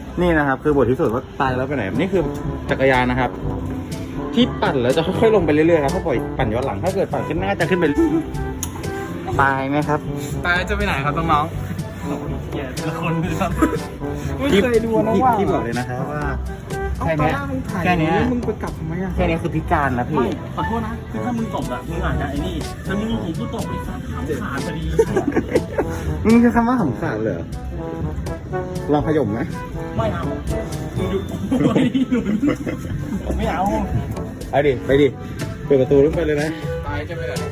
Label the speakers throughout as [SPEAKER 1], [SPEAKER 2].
[SPEAKER 1] นี่นะครับคือบทที่สุดว่าตายแล้วไปไหนนี่คือจักรยานนะครับที่ปั่นแล้วจะค่อยๆลงไปเรื่อยๆครับถ้าปล่อยปั่นย้อนหลังถ้าเกิดปั่นขึ้นหน้าจะขึ้นไปตายไหมครับ
[SPEAKER 2] ตายจะไปไหนครับน้องๆแย่แต่ละคนครับไม่เคยดูนะว่า
[SPEAKER 1] ที่บอกเลยนะครับว่า
[SPEAKER 2] เอา
[SPEAKER 1] แค่
[SPEAKER 2] ตอน
[SPEAKER 1] เนี้ย
[SPEAKER 2] แรกมึงถ่าย
[SPEAKER 1] แค่เนี้ย
[SPEAKER 2] มึงไปกลับทำไมอะ
[SPEAKER 1] แค่นี้คือพิการนะพี่
[SPEAKER 3] ไม่ขอโทษนะคือถ้ามึงตกอะมึงอาจจะไอ้นี่แต่มึงหูกูตกไอ้สัตว์ขำขาดพอดี
[SPEAKER 1] นี่คือคำว่าขำขาดเลยเหรอลองขย่มไหม
[SPEAKER 3] ไม่เอามึงหยุดไม่หนุนผมไม่เอา
[SPEAKER 1] ไปดิไปดิเปิดประตูลงไปเลยนะ
[SPEAKER 2] ตายจะไปไหน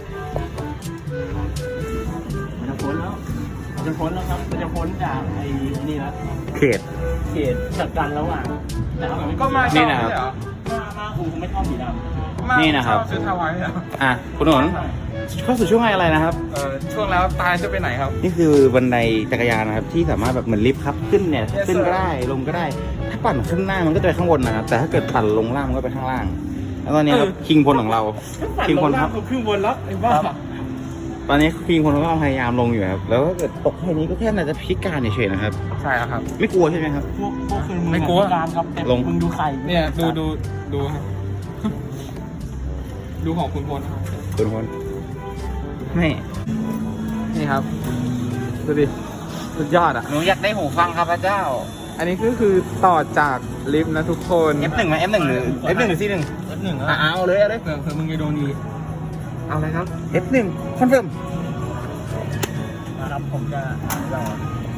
[SPEAKER 3] มันจะพ้นแล้วมันจะพ้นแล้วครับมันจะพ้นจากไอ้นี่แล้ว
[SPEAKER 1] เขต
[SPEAKER 3] เขตจัดการแล้วอ่ะแต่เอาแบบ
[SPEAKER 2] ก็มา
[SPEAKER 1] นี่
[SPEAKER 2] เช่า
[SPEAKER 1] นะครับ
[SPEAKER 2] ไม่ใช่เหรอ
[SPEAKER 3] มากูไม่ชอบสีดำ
[SPEAKER 2] มา
[SPEAKER 1] นี่นะครับ
[SPEAKER 2] เช่าชุดฮาวายเหรอ
[SPEAKER 1] อ่ะคุณหนนเข้าสู่ช่วงอะไรนะครับ
[SPEAKER 2] ช่วงแล้วตายจะไปไหนครับ
[SPEAKER 1] นี่คือบันไดจักรยานนะครับที่สามารถแบบเหมือนลิฟต์ครับขึ้นเนี่ย
[SPEAKER 2] Yes,
[SPEAKER 1] ขึ้นก็
[SPEAKER 2] sir.
[SPEAKER 1] ได้ลงก็ได้ ถ้าปั่นขึ้นหน้ามันก็จะไปข้างบนนะครับแต่ถ้าเกิดปั่นลงล่างมันก็ไปข้างล่าง แล้วตอนนี้ครับคิงพลของเราคิงพลครับ
[SPEAKER 3] ครึ่งบนแล้วไอ้บ้า
[SPEAKER 1] ตอนนี้คิงพลเขาก็พยายามลงอยู่ครับแล้วถ้าเกิดตกแค่นี้ก็แค่น่าจะพิการเฉยๆนะครับ
[SPEAKER 2] ใช่แล้วครับ
[SPEAKER 1] ไม่กลัวใช่ไหมครับ
[SPEAKER 3] พวกคือมึง
[SPEAKER 2] ไม่กลัว
[SPEAKER 3] การครับแต่
[SPEAKER 1] ลง
[SPEAKER 3] มึงดูไข่
[SPEAKER 2] เนี่ยดูครับ ดูของคุณพลครับ
[SPEAKER 1] คุณพลไม่
[SPEAKER 2] นี่ครับ ดูดิ สุดยอดอ่ะ
[SPEAKER 1] หนูอยากได้หูฟังครับพระเจ้า
[SPEAKER 2] อันนี้ก็คือต่อจากลิฟต์นะทุกคน
[SPEAKER 1] F1 ไหม F1 หรือ F1 หรือ C1
[SPEAKER 3] หนึ่ง
[SPEAKER 1] อ่ะเอาเลยเอาเลย
[SPEAKER 2] เผื่อมึงจะโดนดีเอาเลยครับ
[SPEAKER 1] F1 คอนเฟิร์ม
[SPEAKER 3] นะครับผมจะรอ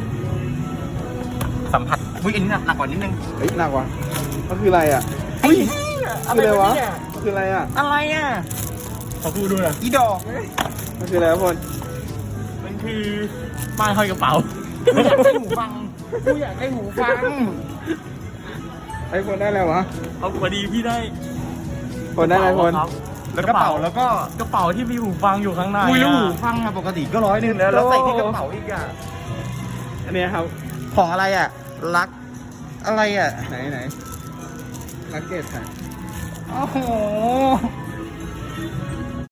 [SPEAKER 1] สัมผัสอุ้ยอันนี้หนักกว่านิดนึง
[SPEAKER 2] เฮ้ยหนักว่ะก็คืออะไรอ่ะเฮ้ยคืออะไรวะคืออะไรอ่ะ
[SPEAKER 1] อะไรอ่ะ
[SPEAKER 3] ขอพูดด้วยนะ
[SPEAKER 1] อีดอก
[SPEAKER 2] มันคืออะไรวะพล
[SPEAKER 3] มันคือป้ายห้อยกระเป๋า
[SPEAKER 1] กูอยากได้หูฟังกูอยากได้หูฟัง
[SPEAKER 2] ไอ้พลได้อะไรวะ
[SPEAKER 3] เอาพอดีพี่ได้
[SPEAKER 2] พลได้อะไรพล
[SPEAKER 3] ครับ
[SPEAKER 1] แล้วกระเป๋าแล้วก็
[SPEAKER 3] กระเป๋าที่มีหูฟังอยู่ข้างใน
[SPEAKER 1] คุยแล้วหู
[SPEAKER 3] อะ
[SPEAKER 1] ฟังอะปกติก็100แล้วแล้วใส่ที่กระเป๋าอีกอะ
[SPEAKER 2] อันเนี้ยครับ
[SPEAKER 1] ของอะไรอะรักอะไรอะ
[SPEAKER 2] ไหนลักเก็ตค่ะ
[SPEAKER 1] โอ้โห